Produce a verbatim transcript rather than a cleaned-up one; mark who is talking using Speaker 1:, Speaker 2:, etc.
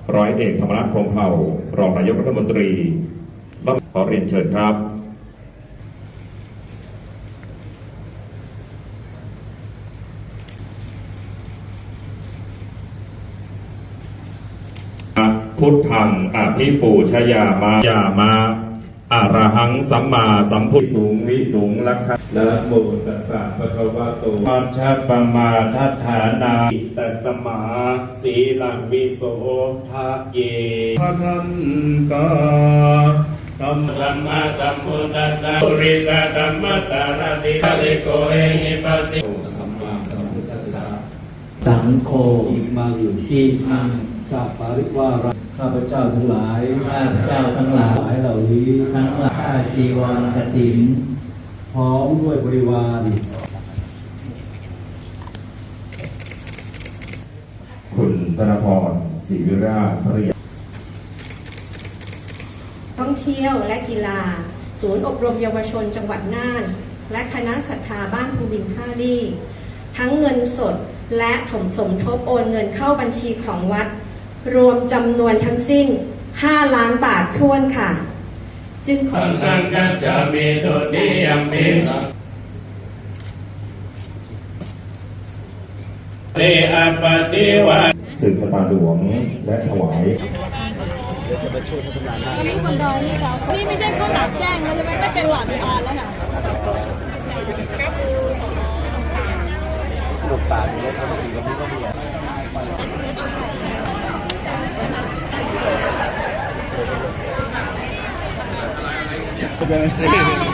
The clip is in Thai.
Speaker 1: ร้อยเอกธรรมนัส พรหมเผ่ารองนายกรัฐมนตรีขอเรียนเชิญครับพุทธังอภิปูชยามายามาอารหังสัมมาสัมพุทธสูงวิสูงลักขะนะโมตัสสะภะคะวะโตมัชฌะปมาทัฏฐานาตัสมาสีลังวิโสทะเยพะทันตาธัมมัมมาสัมพุทธัสสะปุริสธัมมัสสารติสัลิโกเอหิปัสสิสัมมาสัมพุทธัสสะ
Speaker 2: สังโฆอิมังอิมังสัพปริวาระข้าพเจ้าทั้งหลาย
Speaker 3: ข้าพเจ้าทั้งหลาย
Speaker 2: เหล่านี้
Speaker 3: ทั้งหลายจีวรกฐิน
Speaker 2: พร้อมด้วยบริวาร
Speaker 1: คุณธนพร ศรีวิราชภริยา
Speaker 4: ท่องเที่ยวและกีฬาศูนย์อบรมเยาวชนจังหวัดน่านและคณะศรัทธาบ้านภูบินท่าลี่ทั้งเงินสดและถมสมทบโอนเงินเข้าบัญชีของวัดรวมจำนวนทั้งสิ้นห้าล้านบาทท้วนค่ะจึงขอ
Speaker 3: ตังกัจจามิโดติยัมปิสังเตอปฏิวัติ
Speaker 1: สืบชะตาหลวงและถวาย
Speaker 5: นี่คนดอยนี่เรานี่ไม่ใช่ข้าวหลามแจ้งแล้วจะไม่ไม่เป็นหลอดดีออนแล้วค่ะลูกตาลเนี่ยเขาสีแบบนี้ก็มีอ่ะ